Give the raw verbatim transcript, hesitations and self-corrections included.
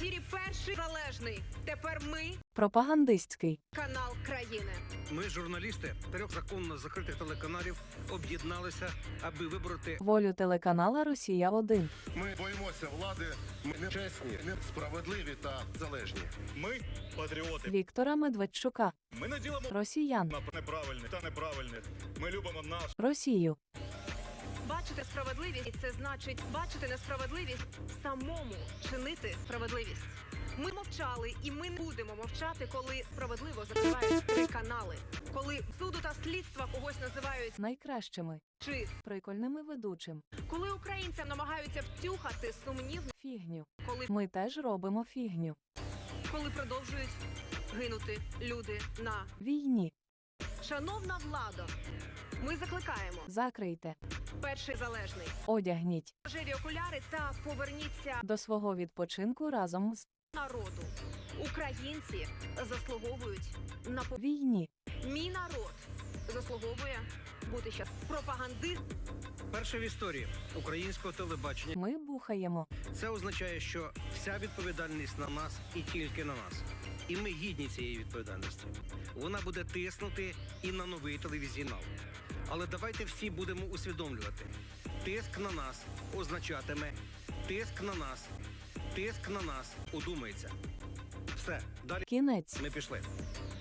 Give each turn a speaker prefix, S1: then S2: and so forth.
S1: ефірі перший залежний. Тепер ми
S2: Пропагандистський.
S1: канал країни.
S3: Ми, журналісти трьох законно закритих телеканалів, об'єдналися, аби вибороти
S2: Волю телеканала «Росія один».
S4: Ми боїмося влади, ми не чесні, не справедливі та залежні.
S5: Ми патріоти.
S2: Віктора Медведчука.
S5: Ми не ділимо
S2: Росіян.
S5: на неправильних та неправильних. Ми любимо наш.
S2: Росію.
S1: Бачити справедливість – це значить бачити несправедливість, самому чинити справедливість. Ми мовчали і ми не будемо мовчати, коли справедливо закривають три канали. Коли суду та слідства когось називають
S2: Найкращими.
S1: чи
S2: Прикольними ведучим.
S1: коли українцям намагаються втюхати сумнівну,
S2: Фігню.
S1: коли,
S2: Ми теж робимо фігню.
S1: коли продовжують гинути люди на
S2: Війні.
S1: шановна влада. Ми закликаємо
S2: Закрийте.
S1: перший залежний.
S2: Одягніть.
S1: Рожеві окуляри та поверніться
S2: До свого відпочинку разом з
S1: народу. Українці заслуговують на по...
S2: війні.
S1: Мій народ заслуговує бути щас пропагандист.
S3: перше в історії українського телебачення.
S2: Ми бухаємо.
S3: Це означає, що вся відповідальність на нас і тільки на нас. І ми гідні цієї відповідальності. Вона буде тиснути і на новий телевізійнал. Але давайте всі будемо усвідомлювати. Тиск на нас означатиме тиск на нас. Тиск на нас удумається. Все, далі
S2: Кінець.
S3: ми пішли.